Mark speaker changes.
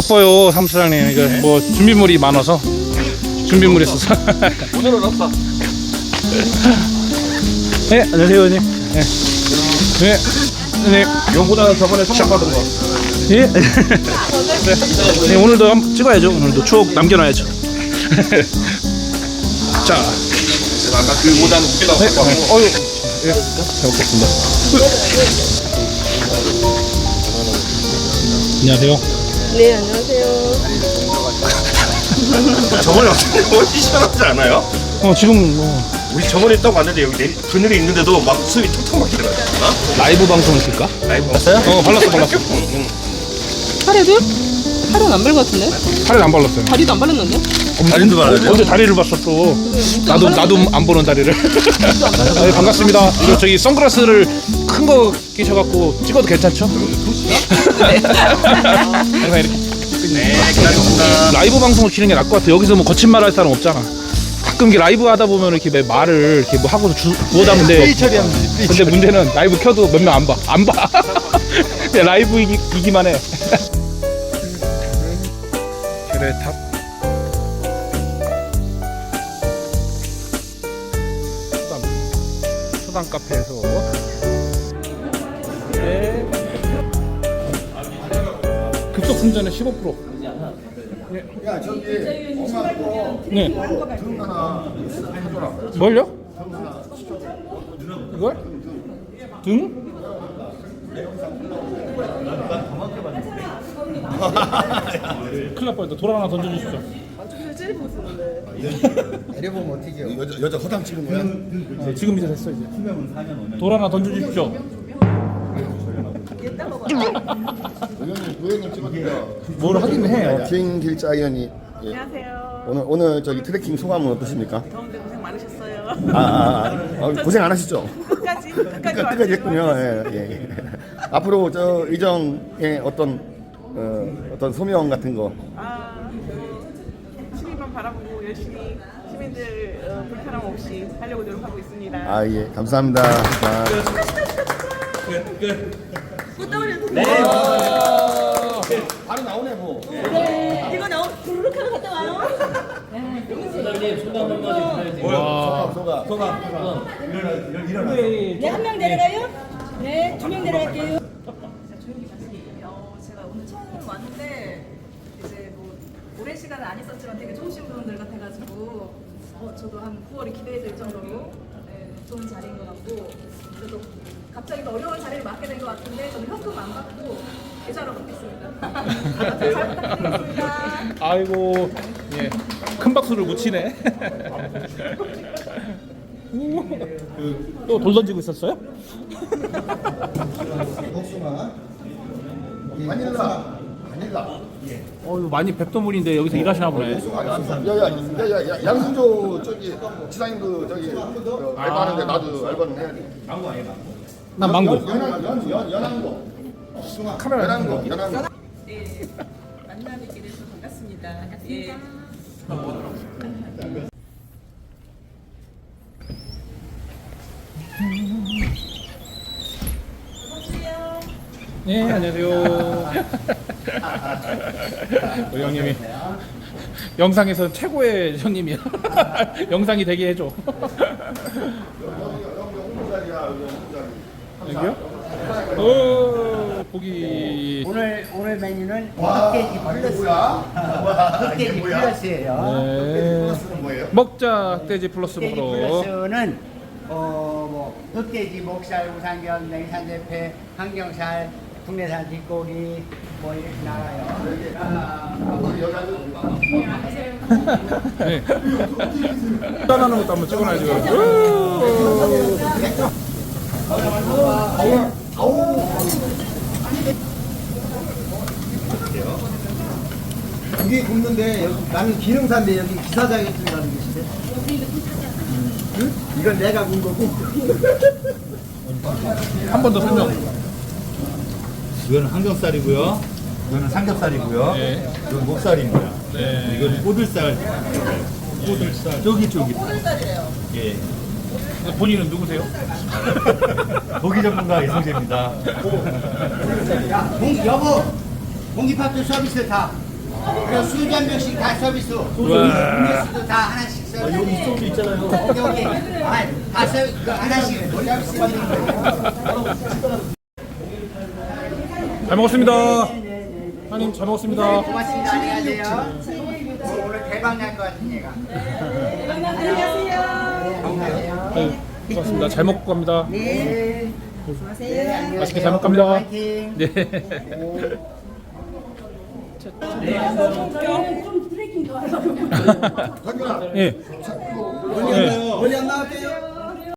Speaker 1: 바빠요 사무처장님. 이거 뭐 준비물이 많아서 준비물이 있어서.
Speaker 2: 오늘은 없어.
Speaker 1: 네 안녕하세요 의원님. 네. 네. 네.
Speaker 2: 용보다는 저번에 선물 받은 거.
Speaker 1: 예. 네. 네 오늘도 한번 찍어야죠. 오늘도 추억 남겨놔야죠. 자.
Speaker 2: 제가 아까 그 모자는 웃기다고
Speaker 1: 네.
Speaker 2: 갖고 왔고.
Speaker 1: 어유. 예. 잘 먹겠습니다. 안녕하세요.
Speaker 3: 네, 안녕하세요.
Speaker 2: 저번에 어떻게 시원하지 않아요?
Speaker 1: 지금 뭐
Speaker 2: 우리 저번에 딱 왔는데 여기 그늘이 있는데도 막 숨이 턱턱 막히더라고요.
Speaker 1: 라이브 방송을 킬까?
Speaker 2: 라이브 봤어요?
Speaker 1: 발랐어.
Speaker 3: 팔에도? 팔은 안 바른 것 같은데?
Speaker 1: 팔에 안 발랐어요.
Speaker 3: 다리도 안 바르는데?
Speaker 2: 다리도 발라야 돼요?
Speaker 1: 언제 다리를 봤어 또. 나도 안 보는 다리를. 네, 반갑습니다. 이거 저기 선글라스를 큰 거 끼셔갖고 찍어도 괜찮죠? 항상 이렇게
Speaker 2: 네, 기다렸습니다.
Speaker 1: 라이브 방송을 키는 게 나을 것 같아. 여기서 뭐 거친 말 할 사람 없잖아. 가끔 이렇게 라이브 하다 보면 이렇게 왜 말을 이렇게 뭐 하고서 주워 담는데. 근데 문제는 라이브 켜도 몇 명 안 봐. 안 봐. 그냥 라이브이기만 해. 계래탑. 수당 카페에서. 네. 급속 충전에 15%.
Speaker 4: 야 저기 엄마 거
Speaker 1: 네.
Speaker 4: 등 하나 사줘라.
Speaker 1: 뭘요? 이걸? 등? 큰일 날 뻔했다. 돌 하나 던져주십시오.
Speaker 4: 내려보면 어떻게 해요? 여자 허당 치는 거야?
Speaker 1: 지금 이제 됐어 이제. 돌 하나 던져주십시오.
Speaker 4: 의원님 찍어주세요.
Speaker 1: 뭘 하긴 해.
Speaker 4: 김길자 의원이
Speaker 5: 안녕하세요.
Speaker 4: 오늘 저기 트레킹 소감은 어떠십니까?
Speaker 5: 더운데 고생 많으셨어요.
Speaker 4: 고생 안 하셨죠?
Speaker 5: 끝까지
Speaker 4: 끝까지 했군요. 예. 앞으로 저 의정의 어떤 소명 같은 거.
Speaker 5: 시민만 바라보고 열심히 시민들 불편함 없이 하려고 노력하고 있습니다.
Speaker 4: 아 예, 감사합니다. 자. 바로 나오네 뭐.
Speaker 5: 이거 너무 부르륵 하면 갔다 와요.
Speaker 4: 소감.
Speaker 6: 네, 한 명 내려가요? 네, 두 명 내려갈게요.
Speaker 7: 제가 오늘 처음 왔는데 이제 뭐 오랜 시간은 안 있었지만 되게 좋으신 분들 같아가지고 저도 한 9월이 기대될 정도로 좋은 자리인 것 같고 그래도 갑자기 더 어려운 자리를 맡게 된 것 같은데 저는 현금 안 받고 계좌로 받겠습니다. 잘 부탁드리겠습니다.
Speaker 1: 아이고, 예. 큰 박수를 못 치네. 또 돌 던지고 있었어요?
Speaker 4: 복숭아. 바닐라.
Speaker 1: 이거 많이 뵙도물인데 여기서 일하시나 보네.
Speaker 4: 야야야야 양승조 저기 지사님도 저기 알바하는데 나도 알바는 해야 돼.
Speaker 1: 난 망고.
Speaker 4: 연한거. 카메라 연한거.
Speaker 5: 네, 만나뵙게 돼서 반갑습니다. 예.
Speaker 1: 네, 안녕하세요. 우리 형님이 영상에서 최고의 형님이야. 영상이 되게 해줘. 여기요? 고기.
Speaker 8: 오늘 메뉴는 흑돼지 플러스. 흑돼지 플러스예요.
Speaker 1: 네. 먹자 흑돼지 플러스
Speaker 8: 흑돼지
Speaker 1: 프로.
Speaker 8: 플러스는 뭐 흑돼지, 목살, 우삼겹, 냉산대패, 항정살, 국내산 뒷고기 뭐 이렇게 나와요.
Speaker 1: 네. 짠하는 것도 한번 찍어놔야지.
Speaker 9: 고기 굽는데 여기 나는 기름사인데 여기 기사장이 들어가는 것인데. 응? 이건 내가 군 거고.
Speaker 1: 한 번 더 설명.
Speaker 10: 이거는 항정살이고요. 이거는 삼겹살이고요.
Speaker 1: 네.
Speaker 10: 이건 목살입니다.
Speaker 1: 네.
Speaker 10: 이거는 꼬들살. 쫄깃쫄깃.
Speaker 5: 꼬들살이래요.
Speaker 10: 예.
Speaker 1: 본인은 누구세요?
Speaker 10: 고기 전문가 이성재입니다.
Speaker 9: 야, 여보, 공기밥도 서비스 다.
Speaker 8: 그리고 술한 병씩 다 서비스. 음료수도 다 하나씩 서비스. 여기 소주 있잖아요. 여기 다 서비스 하나씩 서비스 받는 거예요.
Speaker 1: 잘 먹었습니다. 사장님 잘 먹었습니다.
Speaker 8: 고맙습니다. 안녕하세요. 오늘 대박 날 것 같은 얘가.
Speaker 1: 아유, 고맙습니다. 잘 먹고 갑니다.
Speaker 8: 네.
Speaker 1: 맛있게 잘 먹고 갑니다.
Speaker 8: 파이팅.
Speaker 1: 네.
Speaker 6: 좀 트레킹 더 하려고.
Speaker 4: 성균아
Speaker 1: 예.
Speaker 9: 멀리 안 나갈게요.